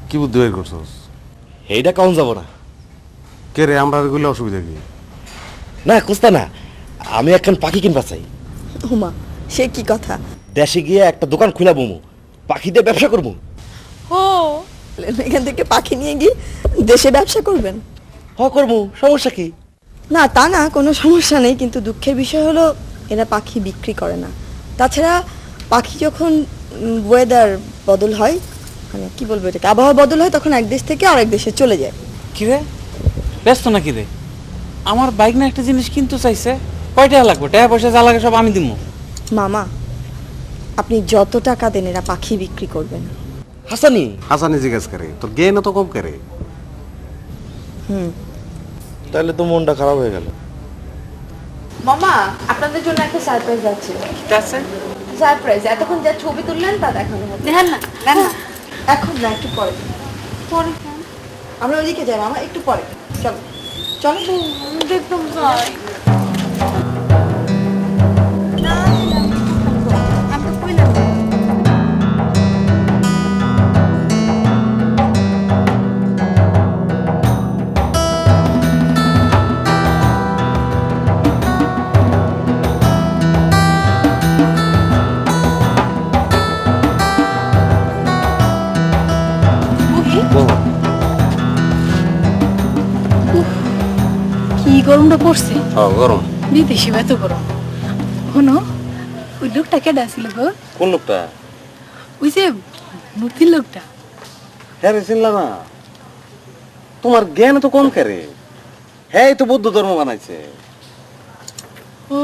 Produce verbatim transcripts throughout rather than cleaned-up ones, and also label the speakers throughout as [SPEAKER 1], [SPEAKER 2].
[SPEAKER 1] কি বুদ্ধি বের করছস?
[SPEAKER 2] এইটা কম যাব না।
[SPEAKER 1] কে রে, আমরা এগুলো অসুবিধা কি?
[SPEAKER 2] না কুস্তা না, আমি একখান পাখি কিনবা চাই।
[SPEAKER 3] হুমা, সে কি কথা?
[SPEAKER 2] দেশে গিয়ে একটা দোকান খুলা বমু, পাখি দিয়ে ব্যবসা করবো।
[SPEAKER 3] ও, এখান থেকে পাখি নিয়ে গিয়ে দেশে ব্যবসা করবেন?
[SPEAKER 2] হ করবো, সমস্যা কি?
[SPEAKER 3] না তা না, কোনো সমস্যা নেই, কিন্তু দুঃখের বিষয় হলো এরা পাখি বিক্রি করে না। তাছাড়া পাখি যখন ওয়েদার বদল হয়, মানে কি বলবো এটাকে, আবহাওয়া বদল হয়, তখন এক দেশ থেকে আরেক দেশে চলে যায়।
[SPEAKER 4] কি রে, ব্যস্ত নাকি রে? আমার বাইক না একটা জিনিস কিনতে চাইছে, কয় টাকা লাগবে? টাকা পয়সা যা লাগে সব আমি দিব।
[SPEAKER 3] মামা, আপনি যত টাকা দেন এরা পাখি বিক্রি করবে না।
[SPEAKER 2] হাসানি,
[SPEAKER 1] হাসানি জিজ্ঞেস করে, তোর গে না তো কম করে।
[SPEAKER 3] হুম।
[SPEAKER 2] তাহলে তো মনটা খারাপ হয়ে গেল।
[SPEAKER 5] মামা, আপনাদের জন্য একটা সারপ্রাইজ আছে।
[SPEAKER 4] ঠিক আছে,
[SPEAKER 5] সারপ্রাইজ, এতক্ষণ যা ছবি তুললেন তা দেখানো হবে।
[SPEAKER 3] দেখান না, দেখান না, এখন না, একটু পরে।
[SPEAKER 5] পরে
[SPEAKER 3] আমরা ওইদিকে যাই মামা, একটু পরে। চলো চলো।
[SPEAKER 5] দেখতাম যাই।
[SPEAKER 6] কি গরমটা পড়ছে,
[SPEAKER 1] হ্যাঁ গরম।
[SPEAKER 6] বিদেশি এত গরম। শোনো, ওই লোকটা কেডা ছিল গো?
[SPEAKER 1] কোন লোকটা?
[SPEAKER 6] ওই যে মূর্তির লোকটা।
[SPEAKER 1] হ্যাঁ রে, চিনলা না? তোমার জ্ঞান তো কম করে। হ্যাঁ, তো বৌদ্ধ ধর্ম বানাইছে।
[SPEAKER 6] ও,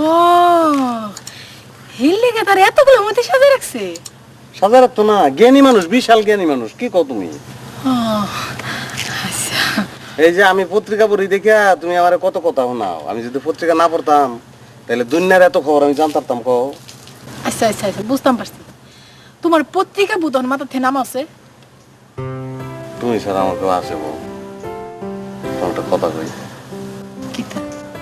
[SPEAKER 6] হিল লেগে তার এতগুলো মধ্যে সাজা রাখছে।
[SPEAKER 1] সাজা রাখতো না, জ্ঞানী মানুষ, বিশাল জ্ঞানী মানুষ। কি কও তুমি?
[SPEAKER 6] ও, আচ্ছা।
[SPEAKER 1] এই যে আমি পত্রিকা পড়ি দেখিয়া তুমি আমার কত কথা শোনাও। আমি যদি পত্রিকা না পড়তাম তাহলে দুনিয়ার এত খবর আমি জানতাম। কও।
[SPEAKER 6] আচ্ছা আচ্ছা আচ্ছা, বুঝতাম পারছি। তোমার পত্রিকা বুধন মাথা থেকে নাম আছে?
[SPEAKER 1] তুমি স্যার আমাকে আসে বউ, তোমার একটা কথা কই।
[SPEAKER 6] কিতা?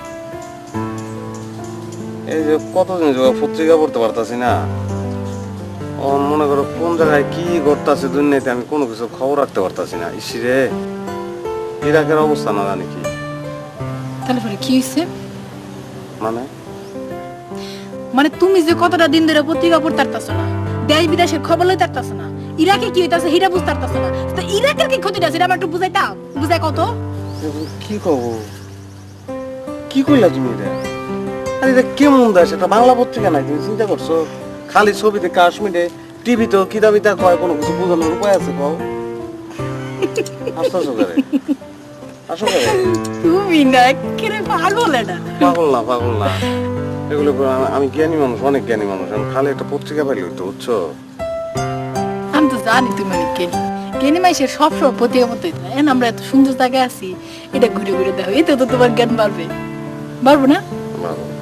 [SPEAKER 1] এই যে কতদিন যোগ পত্রিকা পড়তে পারতাছি না, ও মনে করো কোন জায়গায় কি ঘটতাছে দুনিয়াতে আমি কোনো কিছু খবর রাখতে পারতাছি না। ইসিরে ইরাকের অবস্থা না জানি কি।
[SPEAKER 6] তাহলে পরে কি হয়েছে?
[SPEAKER 1] মানে
[SPEAKER 6] মানে তুমি যে কতটা দিন ধরে পত্রিকা পড়তে পারতাছো না, দেশ বিদেশের খবর লইতে পারতাছো না, ইরাকে কি হইতাছে হিরা বুঝতে পারতাছো না, তো ইরাকের কি ক্ষতিটা সেটা আমার একটু বুঝাইতা, বুঝাই কত?
[SPEAKER 1] কি কব, কি কইলা তুমি এটা? আরে এটা কেমন দেশ? এটা বাংলা পত্রিকা নাই, তুমি চিন্তা করছো? খালি ছবিতে কাশ্মীরে, টিভিতে কিতাবিতা কয়, কোনো কিছু বোঝানোর উপায় আছে? কও। হাসতাছো করে, আসো করে।
[SPEAKER 6] তুমি না কেরে পাগল এটা।
[SPEAKER 1] পাগল না, পাগল না, এগুলো করে আমি- আমি জ্ঞানী মানুষ, অনেক জ্ঞানী মানুষ। আমি খালি একটা পত্রিকা পাইলে হইতো, বুঝছো?
[SPEAKER 6] আমি তো জানি তুমি অনেক জ্ঞানী, জ্ঞানী মাইসের সবসময় পত্রিকা মতো হইতো না। এখন আমরা এত সুন্দর জায়গায় আছি, এটা ঘুরে ঘুরে দেখো, এতে তো তোমার জ্ঞান বাড়বে, বাড়বো না?
[SPEAKER 1] পাগল।